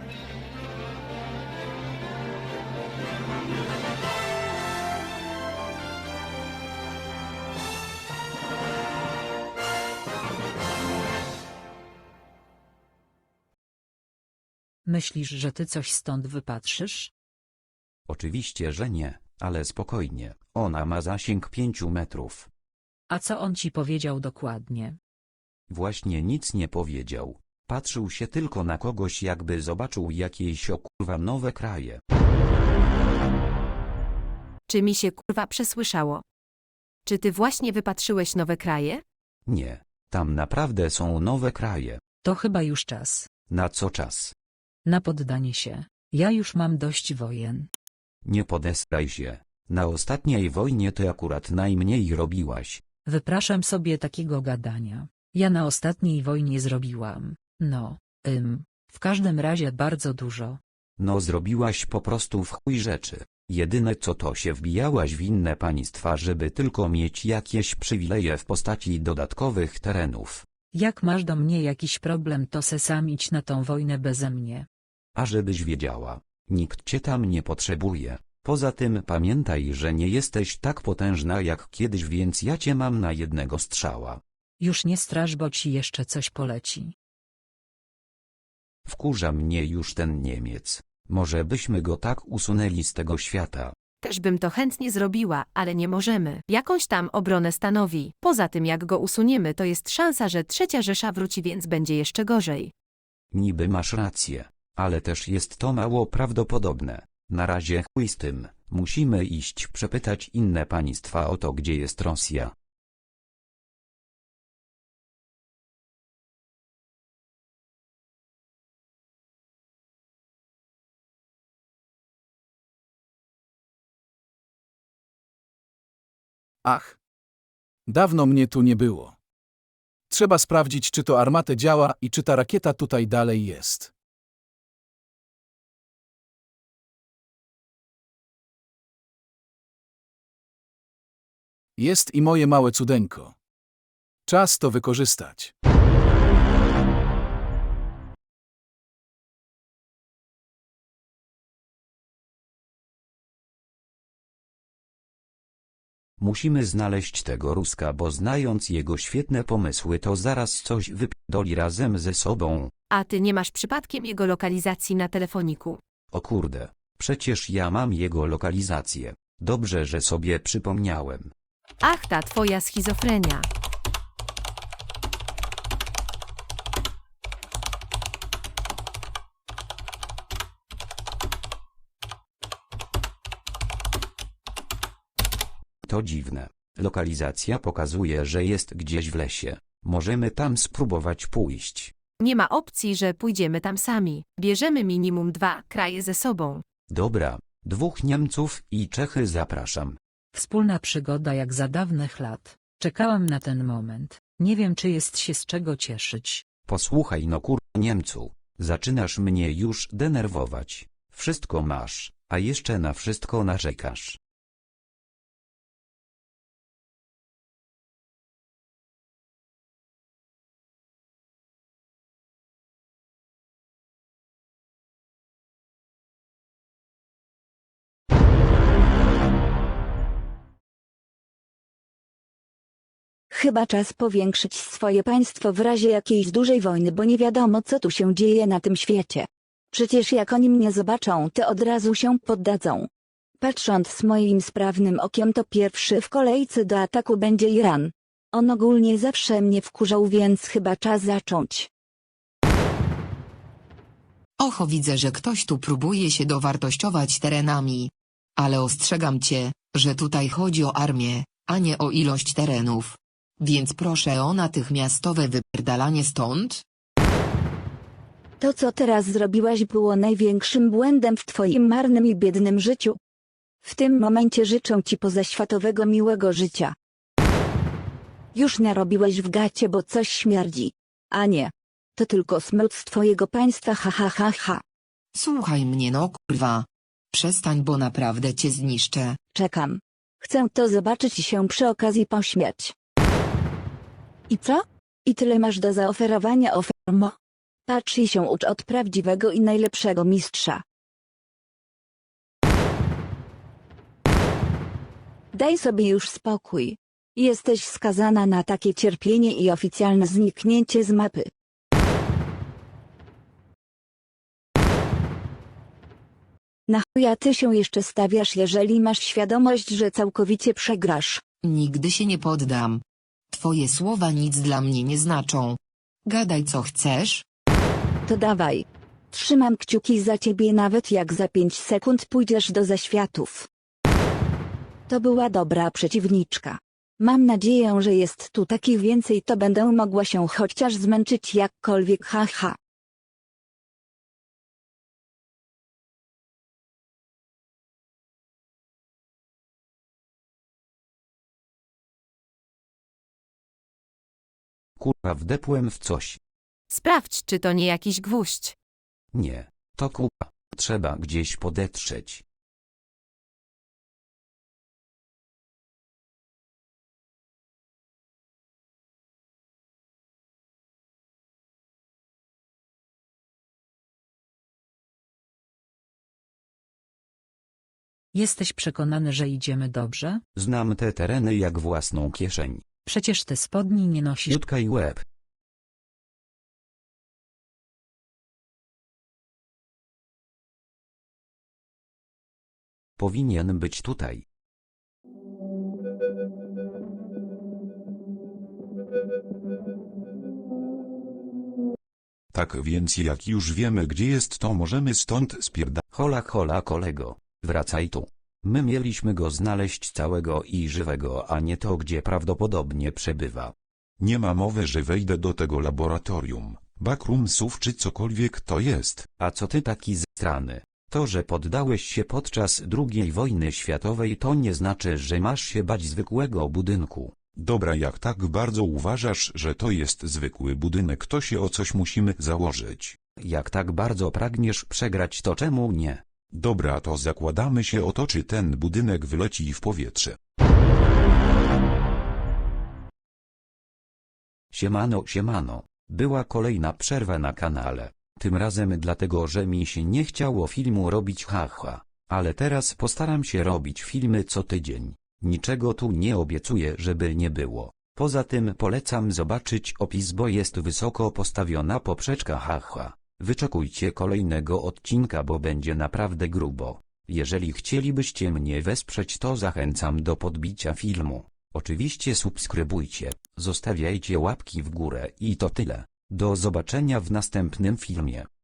Myślisz, że ty coś stąd wypatrzysz? Oczywiście, że nie, ale spokojnie, ona ma zasięg 5 metrów. A co on ci powiedział dokładnie? Właśnie nic nie powiedział. Patrzył się tylko na kogoś, jakby zobaczył jakieś kurwa nowe kraje. Czy mi się kurwa przesłyszało? Czy ty właśnie wypatrzyłeś nowe kraje? Nie, tam naprawdę są nowe kraje. To chyba już czas. Na co czas? Na poddanie się. Ja już mam dość wojen. Nie podesraj się. Na ostatniej wojnie ty akurat najmniej robiłaś. Wypraszam sobie takiego gadania. Ja na ostatniej wojnie zrobiłam. W każdym razie bardzo dużo. No zrobiłaś po prostu w chuj rzeczy. Jedyne co to się wbijałaś w inne państwa, żeby tylko mieć jakieś przywileje w postaci dodatkowych terenów. Jak masz do mnie jakiś problem, to se sam idź na tą wojnę beze mnie. A żebyś wiedziała, nikt cię tam nie potrzebuje. Poza tym pamiętaj, że nie jesteś tak potężna jak kiedyś, więc ja cię mam na jednego strzała. Już nie strasz, bo ci jeszcze coś poleci. Wkurza mnie już ten Niemiec. Może byśmy go tak usunęli z tego świata. Też bym to chętnie zrobiła, ale nie możemy. Jakąś tam obronę stanowi. Poza tym jak go usuniemy, to jest szansa, że III Rzesza wróci, więc będzie jeszcze gorzej. Niby masz rację, ale też jest to mało prawdopodobne. Na razie chuj z tym, musimy iść przepytać inne państwa o to, gdzie jest Rosja. Ach. Dawno mnie tu nie było. Trzeba sprawdzić, czy to armatę działa i czy ta rakieta tutaj dalej jest. Jest i moje małe cudeńko. Czas to wykorzystać. Musimy znaleźć tego Ruska, bo znając jego świetne pomysły, to zaraz coś wypierdoli razem ze sobą. A ty nie masz przypadkiem jego lokalizacji na telefoniku? O kurde, przecież ja mam jego lokalizację. Dobrze, że sobie przypomniałem. Ach, ta twoja schizofrenia. To dziwne. Lokalizacja pokazuje, że jest gdzieś w lesie. Możemy tam spróbować pójść. Nie ma opcji, że pójdziemy tam sami. Bierzemy minimum 2 kraje ze sobą. Dobra, 2 Niemców i Czechy zapraszam. Wspólna przygoda jak za dawnych lat. Czekałam na ten moment. Nie wiem, czy jest się z czego cieszyć. Posłuchaj no Niemcu, zaczynasz mnie już denerwować. Wszystko masz, a jeszcze na wszystko narzekasz. Chyba czas powiększyć swoje państwo w razie jakiejś dużej wojny, bo nie wiadomo, co tu się dzieje na tym świecie. Przecież jak oni mnie zobaczą, to od razu się poddadzą. Patrząc moim sprawnym okiem, to pierwszy w kolejce do ataku będzie Iran. On ogólnie zawsze mnie wkurzał, więc chyba czas zacząć. Oho, widzę, że ktoś tu próbuje się dowartościować terenami. Ale ostrzegam cię, że tutaj chodzi o armię, a nie o ilość terenów. Więc proszę o natychmiastowe wypierdalanie stąd. To, co teraz zrobiłaś, było największym błędem w twoim marnym i biednym życiu. W tym momencie życzę ci pozaświatowego miłego życia. Już narobiłeś w gacie, bo coś śmierdzi. A nie. To tylko smród z twojego państwa, ha ha ha ha. Słuchaj mnie no kurwa. Przestań, bo naprawdę cię zniszczę. Czekam. Chcę to zobaczyć i się przy okazji pośmiać. I co? I tyle masz do zaoferowania, ofermo? Patrz i się ucz od prawdziwego i najlepszego mistrza. Daj sobie już spokój. Jesteś skazana na takie cierpienie i oficjalne zniknięcie z mapy. Na chuja ty się jeszcze stawiasz, jeżeli masz świadomość, że całkowicie przegrasz? Nigdy się nie poddam. Twoje słowa nic dla mnie nie znaczą. Gadaj co chcesz. To dawaj. Trzymam kciuki za ciebie, nawet jak za 5 sekund pójdziesz do zaświatów. To była dobra przeciwniczka. Mam nadzieję, że jest tu takich więcej, to będę mogła się chociaż zmęczyć jakkolwiek, haha. Kurwa, wdepłem w coś. Sprawdź, czy to nie jakiś gwóźdź. Nie, to kurwa. Trzeba gdzieś podetrzeć. Jesteś przekonany, że idziemy dobrze? Znam te tereny jak własną kieszeń. Przecież te spodni nie nosisz. Jutka i łeb. Powinien być tutaj. Tak więc jak już wiemy gdzie jest, to możemy stąd spierdać. Hola hola kolego, wracaj tu. My mieliśmy go znaleźć całego i żywego, a nie to gdzie prawdopodobnie przebywa. Nie ma mowy, że wejdę do tego laboratorium, backroomsów czy cokolwiek to jest. A co ty taki zstrany? To, że poddałeś się podczas II wojny światowej, to nie znaczy, że masz się bać zwykłego budynku. Dobra, jak tak bardzo uważasz, że to jest zwykły budynek, to się o coś musimy założyć. Jak tak bardzo pragniesz przegrać, to czemu nie? Dobra, to zakładamy się o to, czy ten budynek wyleci w powietrze. Siemano, siemano. Była kolejna przerwa na kanale. Tym razem dlatego, że mi się nie chciało filmu robić, haha. Ale teraz postaram się robić filmy co tydzień. Niczego tu nie obiecuję, żeby nie było. Poza tym polecam zobaczyć opis, bo jest wysoko postawiona poprzeczka, haha. Wyczekujcie kolejnego odcinka, bo będzie naprawdę grubo. Jeżeli chcielibyście mnie wesprzeć, to zachęcam do podbicia filmu. Oczywiście subskrybujcie, zostawiajcie łapki w górę i to tyle. Do zobaczenia w następnym filmie.